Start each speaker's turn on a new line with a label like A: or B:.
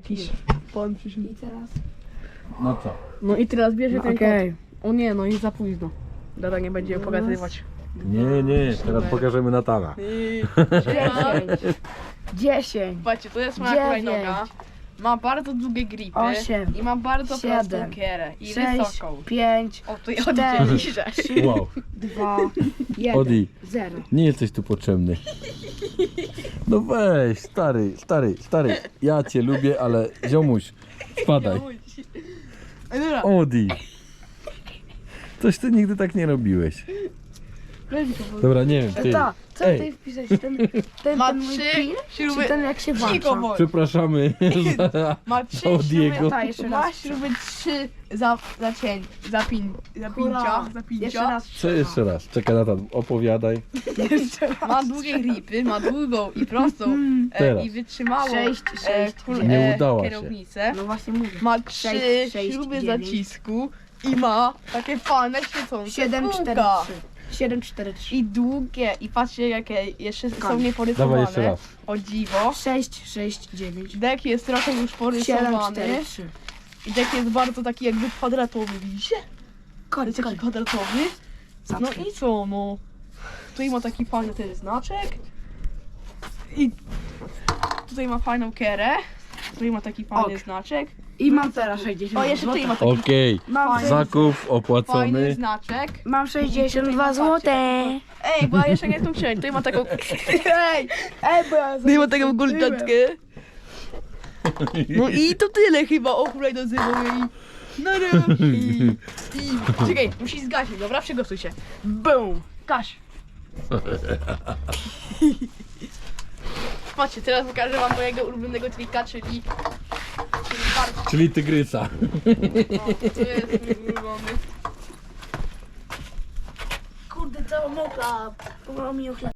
A: Jakiś pan przyszedł.
B: I teraz?
C: No co?
A: No i teraz bierze ten
B: Okej.
A: kot. O nie, no i za późno. Dada nie będzie pokazywać.
C: Nie, teraz pokażemy Natana.
B: 10.
A: Patrzcie, to jest moja
B: 9.
A: hulajnoga. Ma bardzo długie gripy
B: 8.
A: i ma bardzo
B: 7.
A: prostą kierę i
B: 6,
A: wysoką.
B: 5,
A: O, tu ja
B: 4,
A: oddzieliszę.
C: Wow.
B: 2, 1,
C: Odi,
B: 0.
C: nie jesteś tu potrzebny. No weź, stary. Ja cię lubię, ale ziomuś, spadaj.
A: Dobra,
C: Odi. Coś ty nigdy tak nie robiłeś. Dobra, nie wiem, ty.
B: Ta, co
C: Ej.
B: tutaj wpisać? Ten
A: ma
B: mój
A: 3
B: pin?
A: śruby.
B: Czy ten jak się
A: Cicho
B: włącza?
A: bądź.
C: Przepraszamy za
A: Ma 3
C: Odiego.
A: śruby.
B: Ta, jeszcze
A: Ma
B: raz.
A: śruby 3
B: Hurra.
A: zapięcia.
B: Jeszcze raz.
C: Co jeszcze raz? Czekaj, Natan, opowiadaj.
B: Jeszcze raz.
A: Ma długie gripy, ma długą i prostą
C: Teraz.
A: i wytrzymałą
B: 6, 6,
C: Nie udała się.
A: kierownicę.
B: No właśnie mówię.
A: Ma 3
B: 6,
A: śruby
B: 9.
A: zacisku i ma takie fajne świecące
B: 7, 4,
A: kółka.
B: 3. 7, 4, 3.
A: I długie i patrzcie jakie jeszcze są
B: Koniec.
A: nieporysowane.
C: Dawaj jeszcze raz.
A: O dziwo.
B: 6, 6, 9.
A: Dek jest trochę już
B: 7,
A: porysowany.
B: 4, 3.
A: I dek jest bardzo taki jakby kwadratowy, widzicie?
B: Koniec,
A: Jest taki
B: koniec.
A: kwadratowy. No i co, no. Tutaj ma taki fajny ten znaczek. I tutaj ma fajną kerę. Tutaj ma taki fajny
B: Ok.
A: znaczek.
B: I mam teraz 60
A: O, jeszcze tutaj ma
B: zł.
A: taki
C: Okej,
B: Mam,
A: Fajny.
C: zakup
A: fajny
C: opłacony.
A: znaczek.
B: mam 62 zł.
A: Ej, bo ja jeszcze nie jestem księć. Tutaj ma taką... Ej!
B: Bo ja
A: Tutaj ma taką gulczatkę. No i to tyle chyba o hulajnodze mojej. I... Czekaj, musi zgasić, dobra? Przygotuj się. Boom! Gaś! Patrzcie, teraz pokażę wam mojego ulubionego trika, czyli bardzo...
C: Czyli tygrysa.
A: O, to jest mój ulubiony.
B: Kurde, cała mokra. Pomogła mi ochlać.